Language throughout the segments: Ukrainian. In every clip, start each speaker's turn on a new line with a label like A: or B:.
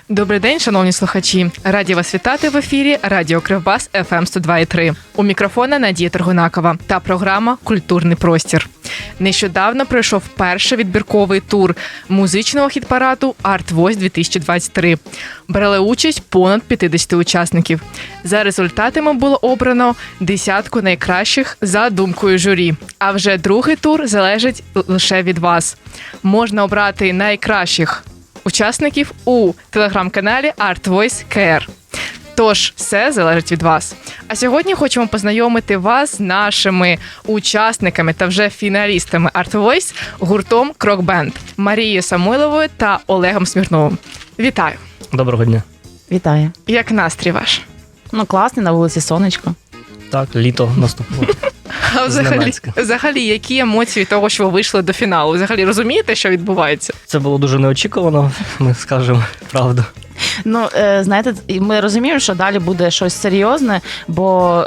A: Добрий день, шановні слухачі. Раді вас вітати в ефірі Радіо Кривбас FM 102.3. У мікрофона Надія Торгунакова та програма «Культурний простір». Нещодавно пройшов перший відбірковий тур музичного хіт-параду Art Voice 2023. Брали участь понад 50 учасників. За результатами було обрано 10 найкращих за думкою журі. А вже другий тур залежить лише від вас. Можна обрати найкращих учасників у телеграм-каналі Art Voice KR. Тож, все залежить від вас. А сьогодні хочемо познайомити вас з нашими учасниками та вже фіналістами Art Voice гуртом Крок Бенд Марією Самойловою та Олегом Смірновим. Вітаю!
B: Доброго дня.
C: Вітаю.
A: Як настрій ваш?
C: Ну, класний, на вулиці сонечко.
B: Так, літо наступило.
A: А взагалі, які емоції від того, що ви вийшли до фіналу? Взагалі розумієте, що відбувається?
B: Це було дуже неочікувано, ми скажемо правду.
C: Ну, знаєте, ми розуміємо, що далі буде щось серйозне, бо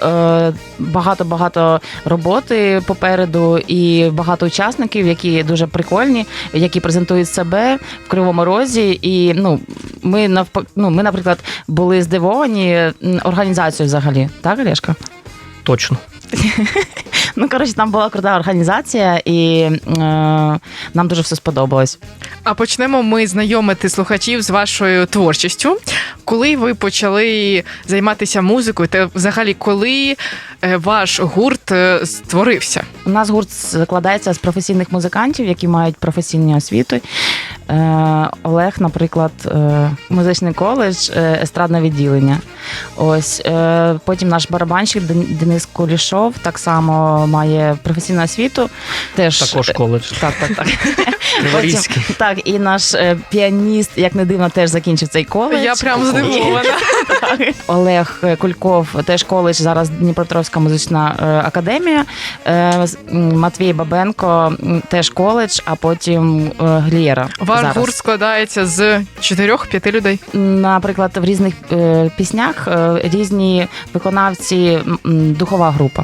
C: багато роботи попереду і багато учасників, які дуже прикольні, які презентують себе в Кривому Розі. І ми, наприклад, були здивовані організацією взагалі. Так, Олешка?
B: Точно.
C: Ну, коротше, там була крута організація, і нам дуже все сподобалось.
A: А почнемо ми знайомити слухачів з вашою творчістю. Коли ви почали займатися музикою, та взагалі коли ваш гурт створився?
C: У нас гурт складається з професійних музикантів, які мають професійні освіти. Олег, наприклад, музичний коледж, естрадне відділення. Ось. Потім наш барабанщик Денис Кулішов так само має професійну освіту.
B: Також коледж.
C: Так.
B: Криворізький.
C: Так, і наш піаніст, як не дивно, теж закінчив цей коледж.
A: Я прям здивована.
C: Олег Кульков, теж коледж, зараз Дніпропетровська музична академія. Матвій Бабенко, теж коледж, а потім Глієра.
A: Ваш гурт складається з 4-5 людей?
C: Наприклад, в різних піснях різні виконавці, духова група.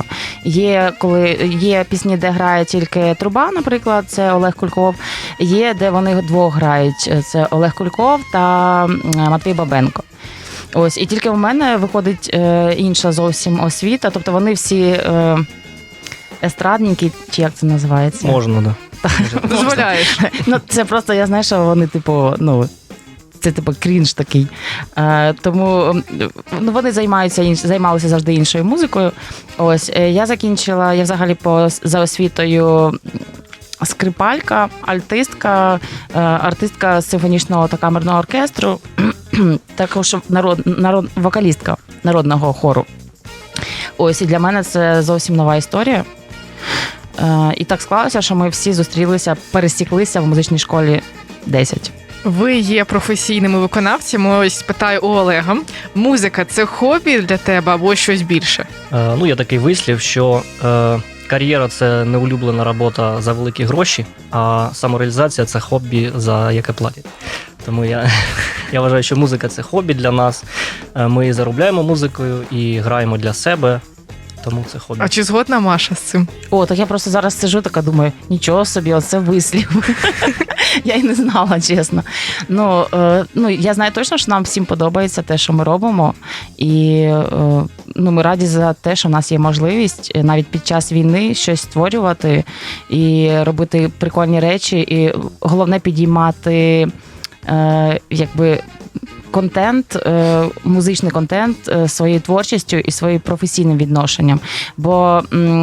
C: Є пісні, де грає тільки труба, наприклад, це Олег Кульков. Є, де вони двох грають, це Олег Кульков та Матвій Бабенко. Ось, і тільки в мене виходить інша зовсім освіта, тобто вони всі естрадники, чи як це називається?
B: Можна, так.
A: Дозволяєш.
C: Ну, це просто, я знаю, що вони, це крінж такий. Тому вони займалися завжди іншою музикою. Ось, я взагалі за освітою скрипалька, альтистка, артистка симфонічного та камерного оркестру, також вокалістка народного хору. Ось, і для мене це зовсім нова історія. І так склалося, що ми всі пересіклися в музичній школі 10.
A: Ви є професійними виконавцями. Ось питаю у Олега. Музика – це хобі для тебе або щось більше?
B: Є такий вислів, що кар'єра – це не улюблена робота за великі гроші, а самореалізація – це хобі, за яке платять. Тому я вважаю, що музика – це хобі для нас. Ми заробляємо музикою і граємо для себе. Тому це хобі.
A: А чи згодна Маша з цим?
C: Так я просто зараз сиджу, така думаю, нічого собі, оце вислів. Я й не знала, чесно. Я знаю точно, що нам всім подобається те, що ми робимо. І ми раді за те, що в нас є можливість навіть під час війни щось створювати і робити прикольні речі. І головне підіймати контент, музичний контент своєю творчістю і своїм професійним відношенням. Бо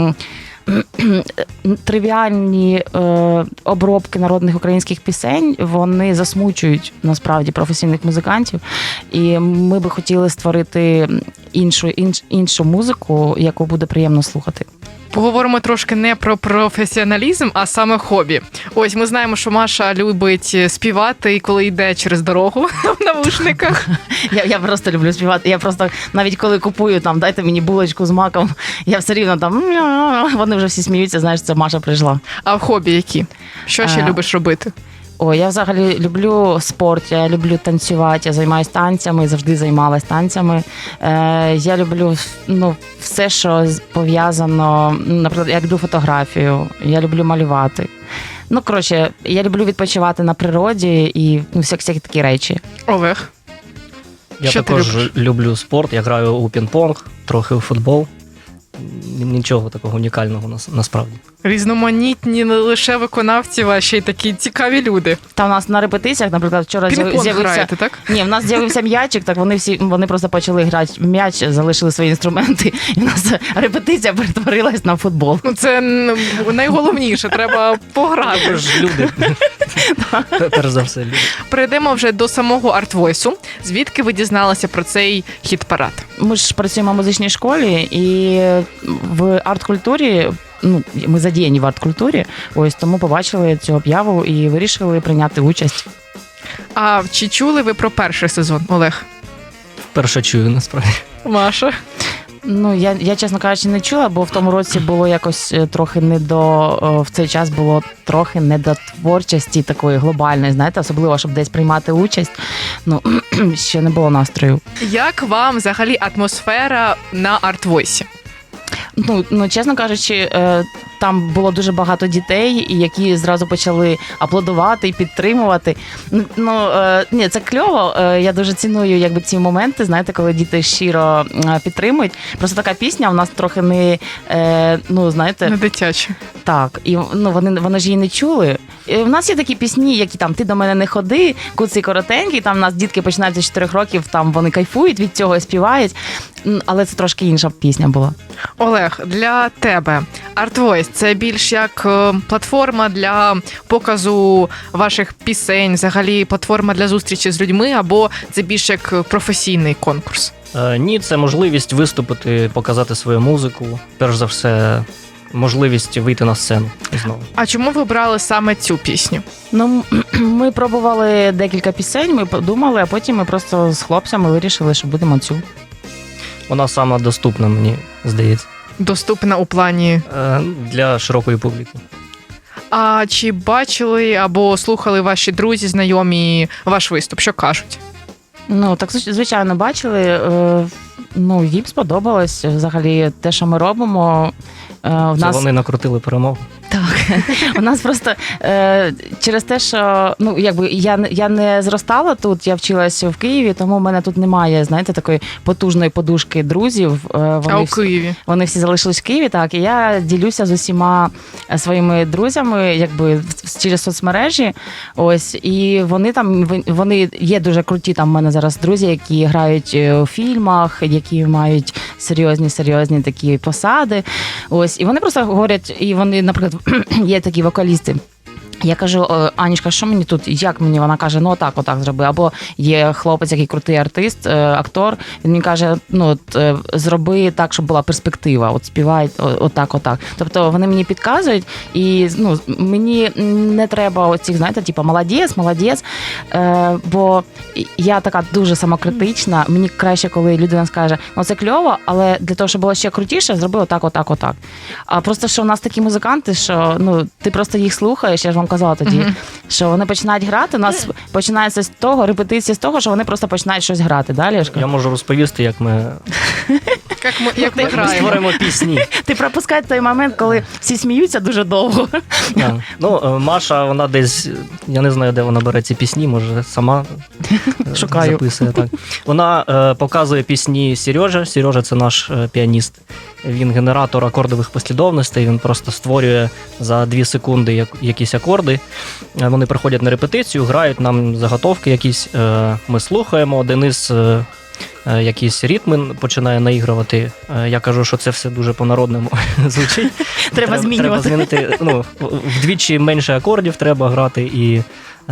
C: тривіальні обробки народних українських пісень, вони засмучують, насправді, професійних музикантів. І ми би хотіли створити іншу музику, яку буде приємно слухати.
A: Поговоримо трошки не про професіоналізм, а саме хобі. Ось, ми знаємо, що Маша любить співати, коли йде через дорогу в навушниках.
C: Я просто люблю співати. Я просто, навіть коли купую, дайте мені булочку з маком, я все рівно вони вже всі сміються, знаєш, це Маша прийшла.
A: А в хобі які? Що ще любиш робити?
C: Я взагалі люблю спорт, я люблю танцювати, я займаюся танцями, завжди займалась танцями. Я люблю все, що пов'язано, наприклад, я люблю фотографію, я люблю малювати. Я люблю відпочивати на природі і всякі такі речі.
A: Олег?
B: Я
A: Що ти
B: також
A: любиш?
B: люблю спорт, я граю у пінг-понг, трохи у футбол. Нічого такого унікального насправді.
A: Різноманітні не лише виконавці, а ще й такі цікаві люди.
C: Та у нас на репетиціях, наприклад, вчора
A: Пінг-понг
C: з'явився.
A: граєте, так?
C: Ні, в нас з'явився м'ячик, так вони просто почали грати в м'яч, залишили свої інструменти, і у нас репетиція перетворилась на футбол.
A: Ну, це найголовніше, треба
B: Ви
A: пограти.
B: ж люди. Перш за все, люди.
A: Перейдемо вже до самого артвойсу. Звідки ви дізналися про цей хіт-парад?
C: Ми ж працюємо в музичній школі, і в арт-культурі, ну, ми задіяні в арт-культурі, ось тому побачили цю об'яву і вирішили прийняти участь.
A: А чи чули ви про перший сезон, Олег?
B: Вперше чую, насправді.
A: Маша?
C: Ну, я, чесно кажучи, не чула, бо в тому році було якось трохи не до, в цей час було трохи не до творчості такої глобальної, знаєте, особливо, щоб десь приймати участь. Ну, ще не було настрою.
A: Як вам взагалі атмосфера на артвойсі?
C: Ну, чесно кажучи, там було дуже багато дітей, які зразу почали аплодувати і підтримувати. Ні, це кльово. Я дуже ціную якби ці моменти, знаєте, коли діти щиро підтримують. Просто така пісня у нас трохи не, знаєте,
A: Не дитяче.
C: так. І вони ж її не чули. І в нас є такі пісні, які там «Ти до мене не ходи», «Куций коротенький», там у нас дітки починаються з 4 років, там вони кайфують від цього і співають. Але це трошки інша пісня була.
A: Олег, для тебе Art – це більш як платформа для показу ваших пісень, взагалі платформа для зустрічі з людьми, або це більш як професійний конкурс?
B: Ні, це можливість виступити, показати свою музику. Перш за все, можливість вийти на сцену знову.
A: А чому ви обрали саме цю пісню?
C: Ну, ми пробували декілька пісень, ми подумали, а потім ми просто з хлопцями вирішили, що будемо цю.
B: Вона сама доступна, мені здається,
A: Доступна у плані.
B: для широкої публіки.
A: А чи бачили або слухали ваші друзі, знайомі ваш виступ? Що кажуть?
C: Ну, так, звичайно, бачили. Їм сподобалось взагалі те, що ми робимо. В
B: Це
C: нас...
B: вони накрутили перемогу.
C: Так, у нас просто через те, що я не зростала тут, я вчилась в Києві, тому в мене тут немає, знаєте, такої потужної подушки друзів.
A: А у Києві?
C: Вони всі залишились в Києві, так, і я ділюся з усіма своїми друзями, якби через соцмережі. Ось, і вони є дуже круті. Там в мене зараз друзі, які грають у фільмах, які мають серйозні такі посади. Ось, і вони просто говорять, і вони, наприклад, є такі вокалісти. Я кажу: Анічка, що мені тут, як мені? Вона каже, отак зроби. Або є хлопець, який крутий артист, актор, він мені каже, зроби так, щоб була перспектива, співай отак. Тобто вони мені підказують, і мені не треба оцих, знаєте, типу, молодець, бо я така дуже самокритична, мені краще, коли людина скаже, це кльово, але для того, щоб було ще крутіше, зроби отак. А просто, що в нас такі музиканти, що, ти просто їх слухаєш, я ж вам казала тоді, що вони починають грати, у нас починається з того, репетиція з того, що вони просто починають щось грати. Далі
B: Я можу розповісти, як ми
A: Як ми граємо?
B: створимо пісні.
C: Ти пропускаєш той момент, коли всі сміються дуже довго.
B: Маша, вона десь, я не знаю, де вона бере ці пісні, може сама
C: Шукаю.
B: записує. Так. Вона показує пісні Сережа. Сережа – це наш піаніст. Він генератор акордових послідовностей, він просто створює за 2 секунди якісь акорди. Вони приходять на репетицію, грають нам заготовки якісь, ми слухаємо, Денис якісь ритми починає наігрувати. Я кажу, що це все дуже по-народному звучить.
C: Треба змінювати.
B: Треба змінити, вдвічі менше акордів треба грати і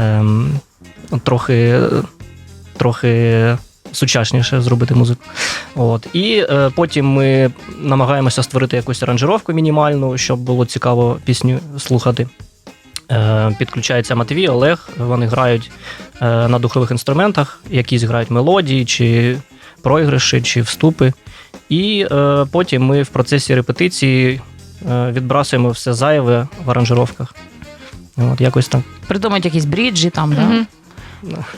B: трохи сучасніше зробити музику. І потім ми намагаємося створити якусь аранжировку мінімальну, щоб було цікаво пісню слухати. Підключається Матвій, Олег, вони грають на духових інструментах, якісь грають мелодії, чи проігриші, чи вступи. І потім ми в процесі репетиції відбрасуємо все зайве в аранжировках. Якось так.
C: Придумають якісь бріджі там,
A: Мгм.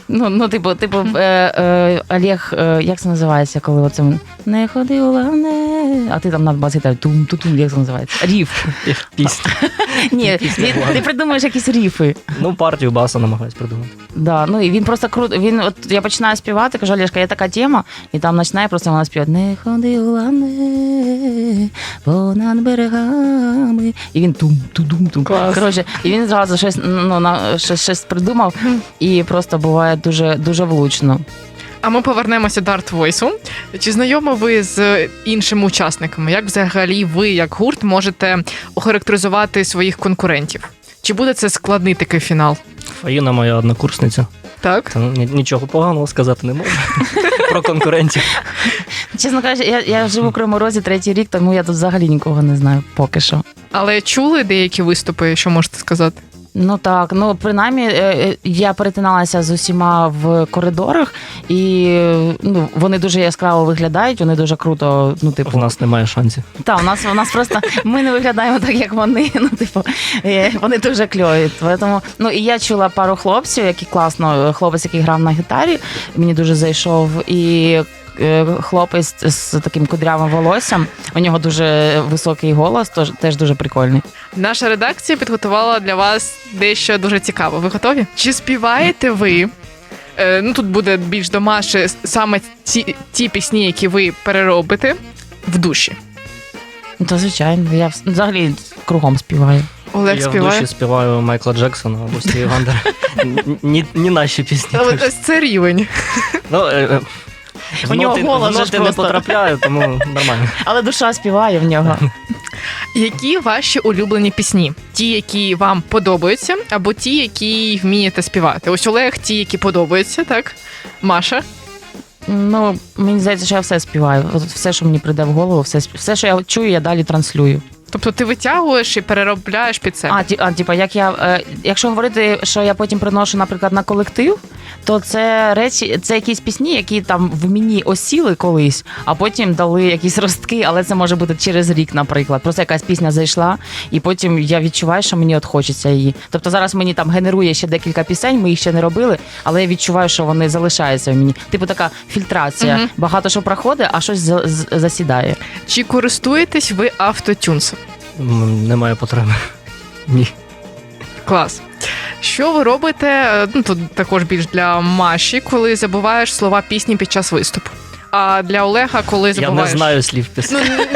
C: Олег, як це називається, коли оце «Не ходи у а ти там на басі тум-тум, як це називається? Ріф.
B: Пісня.
C: Ні, ти придумаєш якісь ріфи.
B: Ну, партію баса намагаюсь придумати.
C: Да, ну і він просто круто. Я починаю співати, кажу, Олешка, є така тема, і там починає просто вона співати не ходи лани понад берегами. І він тум-тум-тум. Коротше, і він зразу щось придумав, і просто буває дуже, дуже влучно.
A: А ми повернемося до Art Voice. Чи знайомі ви з іншими учасниками? Як взагалі ви, як гурт, можете охарактеризувати своїх конкурентів? Чи буде це складний такий фінал?
B: Фаїна моя однокурсниця.
A: Так?
B: Та нічого поганого сказати не можу про конкурентів.
C: Чесно кажучи, я живу в Кривому Розі 3-й рік, тому я тут взагалі нікого не знаю поки що.
A: Але чули деякі виступи, що можете сказати?
C: Ну так, принаймні я перетиналася з усіма в коридорах, і вони дуже яскраво виглядають, вони дуже круто,
B: У нас немає шансів.
C: Так, у нас просто ми не виглядаємо так, як вони. Вони дуже кльові. Тому, і я чула пару хлопців, які класно, хлопець, який грав на гітарі, мені дуже зайшов, і хлопець з таким кудрявим волоссям, у нього дуже високий голос, теж дуже прикольний.
A: Наша редакція підготувала для вас дещо дуже цікаве. Ви готові? Чи співаєте ви? Тут буде більш до Маші, саме ті пісні, які ви переробите в душі.
C: То звичайно, я взагалі кругом співаю.
A: Олег
B: я
A: співає?
B: в душі співаю Майкла Джексона або Стіві Вандера. Ні наші пісні.
A: Ось це рівень.
C: У нього голос
B: в ноти не
C: просто
B: потрапляю, тому нормально.
C: Але душа співає в нього.
A: Які ваші улюблені пісні? Ті, які вам подобаються, або ті, які вмієте співати? Ось Олег, ті, які подобаються, так? Маша?
C: Мені здається, що я все співаю. Все, що мені прийде в голову, все, що я чую, я далі транслюю.
A: Тобто ти витягуєш і переробляєш під себе?
C: Якщо говорити, що я потім приношу, наприклад, на колектив, то це якісь пісні, які там в мені осіли колись, а потім дали якісь ростки, але це може бути через рік, наприклад. Просто якась пісня зайшла, і потім я відчуваю, що мені хочеться її. Тобто зараз мені там генерує ще декілька пісень, ми їх ще не робили, але я відчуваю, що вони залишаються в мені. Така фільтрація. Угу. Багато що проходить, а щось засідає.
A: Чи користуєтесь ви автотюнсом?
B: Немає потреби. Ні.
A: Клас. Що ви робите, тут також більш для Маші, коли забуваєш слова пісні під час виступу? А для Олега, коли забуваєш...
B: Я не знаю слів пісні.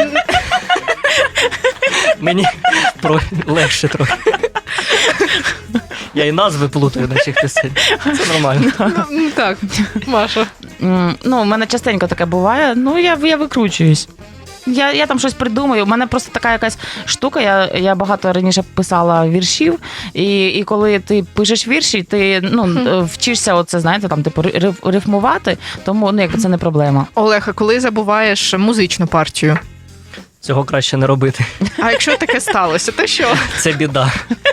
B: Мені легше трохи. Я і назви плутаю на цих пісень. Це нормально.
A: Так, Маша.
C: У мене частенько таке буває, я викручуюсь. Я там щось придумаю. У мене просто така якась штука. Я багато раніше писала віршів, і коли ти пишеш вірші, ти вчишся рифмувати, тому якби це не проблема.
A: Олег, а коли забуваєш музичну партію?
B: Цього краще не робити.
A: А якщо таке сталося, то що?
B: Це біда.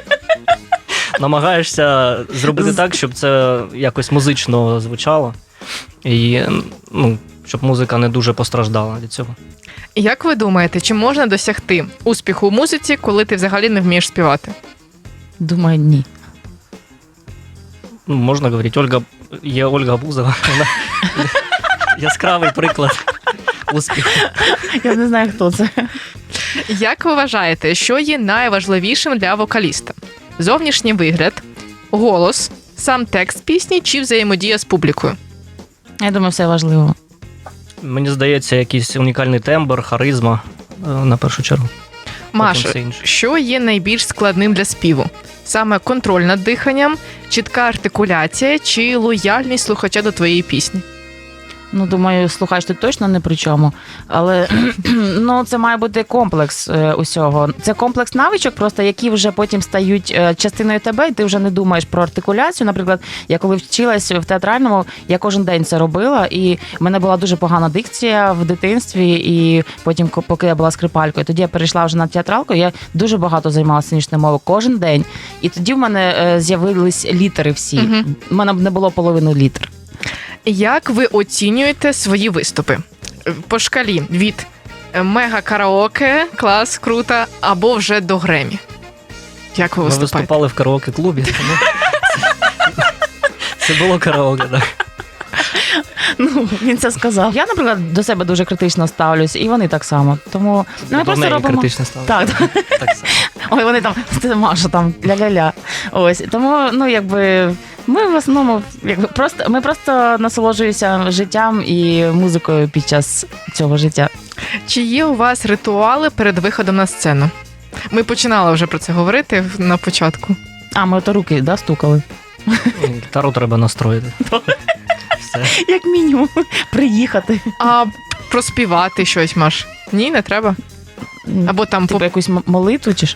B: Намагаєшся зробити так, щоб це якось музично звучало, і щоб музика не дуже постраждала від цього.
A: Як ви думаєте, чи можна досягти успіху у музиці, коли ти взагалі не вмієш співати?
C: Думаю, ні.
B: Можна говорити, є Ольга Бузова, вона яскравий приклад успіху.
C: Я не знаю, хто це.
A: Як ви вважаєте, що є найважливішим для вокаліста? Зовнішній вигляд, голос, сам текст пісні чи взаємодія з публікою?
C: Я думаю, все важливо.
B: Мені здається, якийсь унікальний тембр, харизма на першу чергу.
A: Маша, що є найбільш складним для співу? Саме контроль над диханням, чітка артикуляція чи лояльність слухача до твоєї пісні?
C: Думаю, слухач тут точно не при чому, але це має бути комплекс усього. Це комплекс навичок, просто які вже потім стають частиною тебе, і ти вже не думаєш про артикуляцію. Наприклад, я коли вчилась в театральному, я кожен день це робила, і в мене була дуже погана дикція в дитинстві, і потім, поки я була скрипалькою, тоді я перейшла вже на театралку, я дуже багато займалася сценічною мовою кожен день, і тоді в мене з'явились літери всі. У мене не було половини літер.
A: Як ви оцінюєте свої виступи? По шкалі від мега-караоке, клас, круто, або вже до Гремі? Як ви виступаєте?
B: Ми виступали в караоке-клубі, тому це було караоке, так.
C: Ну, він це сказав. Я, наприклад, до себе дуже критично ставлюсь, і вони так само. Тому ми просто робимо.
B: критично стало.
C: Так,
B: Так само.
C: ой, вони там, ти Маша, там ля-ля-ля. Ось. Тому, ну, якби, ми в основному, якби, ми просто насолоджуємося життям і музикою під час цього життя.
A: Чи є у вас ритуали перед виходом на сцену? Ми починали вже про це говорити на початку.
C: А, ми ото руки, да, стукали?
B: Гітару треба настроїти. Все.
C: Як мінімум, приїхати.
A: А проспівати щось, Маш? Ні, не треба. Або там
C: Типу якусь молитву чи ж?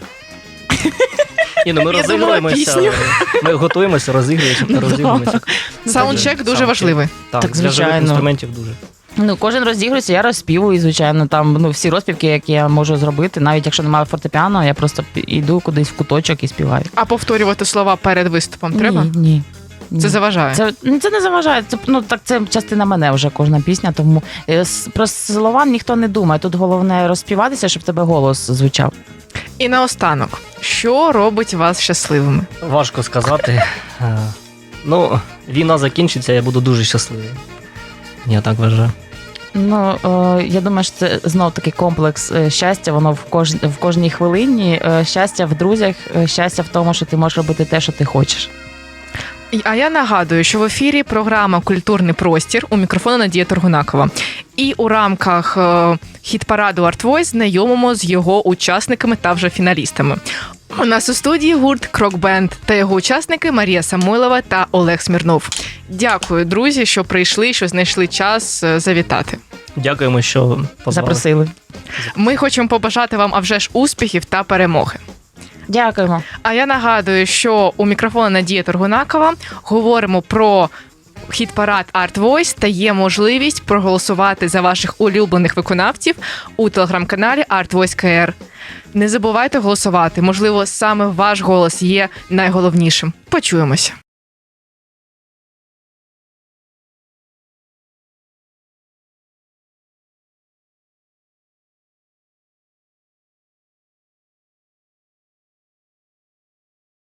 B: Ні, ну ми
A: Я думала,
B: розігруємося.
A: пісню.
B: Ми готуємося, розігруємося.
A: саундчек дуже
B: Саундчек.
A: важливий.
B: Так,
C: Так,
B: для живих
C: звичайно.
B: інструментів дуже.
C: Ну, кожен розігрується, я розспівую, звичайно, там, ну, всі розпівки, які я можу зробити, навіть якщо немає фортепіано, я просто йду кудись в куточок і співаю.
A: А повторювати слова перед виступом треба?
C: Ні.
A: Це заважає.
C: Це не заважає. Це частина мене вже кожна пісня, тому про слова ніхто не думає. Тут головне розспіватися, щоб в тебе голос звучав.
A: І наостанок, що робить вас щасливими?
B: Важко сказати. Ну, війна закінчиться, я буду дуже щасливий. Я так вважаю.
C: Ну, я думаю, що це знов такий комплекс щастя, воно в кожній хвилині. Щастя в друзях, щастя в тому, що ти можеш робити те, що ти хочеш.
A: А я нагадую, що в ефірі програма «Культурний простір», у мікрофону Надія Торгунакова. І у рамках хіт-параду Art Voice знайомимо з його учасниками та вже фіналістами. У нас у студії гурт «Крок-бенд» та його учасники Марія Самойлова та Олег Смірнов. Дякую, друзі, що прийшли, що знайшли час завітати.
B: Дякуємо, що позвали.
C: Запросили.
A: Ми хочемо побажати вам, а вже ж, успіхів та перемоги.
C: Дякуємо.
A: А я нагадую, що у мікрофону Надія Торгунакова говоримо про хіт-парад Art Voice та є можливість проголосувати за ваших улюблених виконавців у телеграм-каналі Art Voice KR. Не забувайте голосувати, можливо, саме ваш голос є найголовнішим. Почуємося.